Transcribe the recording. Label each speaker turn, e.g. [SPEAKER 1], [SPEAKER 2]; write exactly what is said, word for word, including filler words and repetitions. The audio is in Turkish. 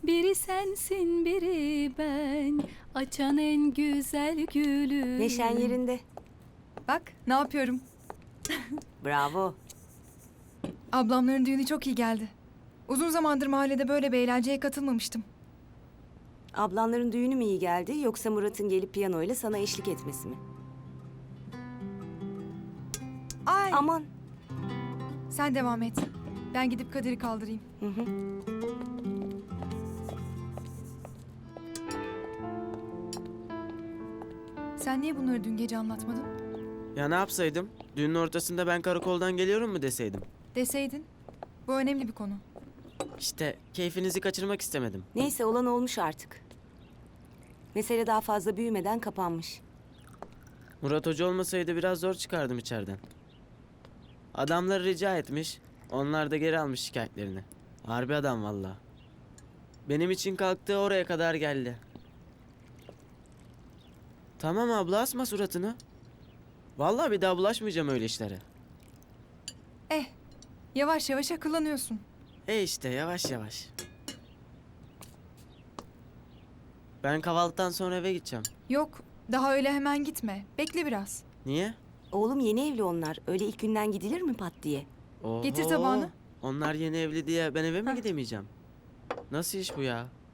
[SPEAKER 1] Biri sensin biri ben, açan en güzel gülü.
[SPEAKER 2] Neşen yerinde.
[SPEAKER 3] Bak ne yapıyorum.
[SPEAKER 2] Bravo.
[SPEAKER 3] Ablamların düğünü çok iyi geldi. Uzun zamandır mahallede böyle bir eğlenceye katılmamıştım.
[SPEAKER 2] Ablanların düğünü mü iyi geldi yoksa Murat'ın gelip piyanoyla sana eşlik etmesi mi?
[SPEAKER 3] Ay
[SPEAKER 2] Aman.
[SPEAKER 3] sen devam et. Ben gidip Kadir'i kaldırayım.
[SPEAKER 2] Hı hı.
[SPEAKER 3] Sen niye bunları dün gece anlatmadın?
[SPEAKER 4] Ya ne yapsaydım? Düğünün ortasında ben karakoldan geliyorum mu deseydim?
[SPEAKER 3] Deseydin. Bu önemli bir konu.
[SPEAKER 4] İşte keyfinizi kaçırmak istemedim.
[SPEAKER 2] Neyse olan olmuş artık. Mesele daha fazla büyümeden kapanmış.
[SPEAKER 4] Murat Hoca olmasaydı biraz zor çıkardım içeriden. Adamları rica etmiş, onlar da geri almış şikayetlerini. Harbi adam valla. Benim için kalktı oraya kadar geldi. Tamam abla asma suratını. Vallahi bir daha bulaşmayacağım öyle işlere.
[SPEAKER 3] Eh, yavaş yavaş akıllanıyorsun.
[SPEAKER 4] E işte yavaş yavaş. Ben kahvaltıdan sonra eve gideceğim.
[SPEAKER 3] Yok, daha öyle hemen gitme. Bekle biraz.
[SPEAKER 4] Niye?
[SPEAKER 2] Oğlum yeni evli onlar. Öyle ilk günden gidilir mi pat diye?
[SPEAKER 4] Oho.
[SPEAKER 3] Getir tabağını.
[SPEAKER 4] Onlar yeni evli diye ben eve mi
[SPEAKER 3] Heh.
[SPEAKER 4] gidemeyeceğim? Nasıl iş bu ya?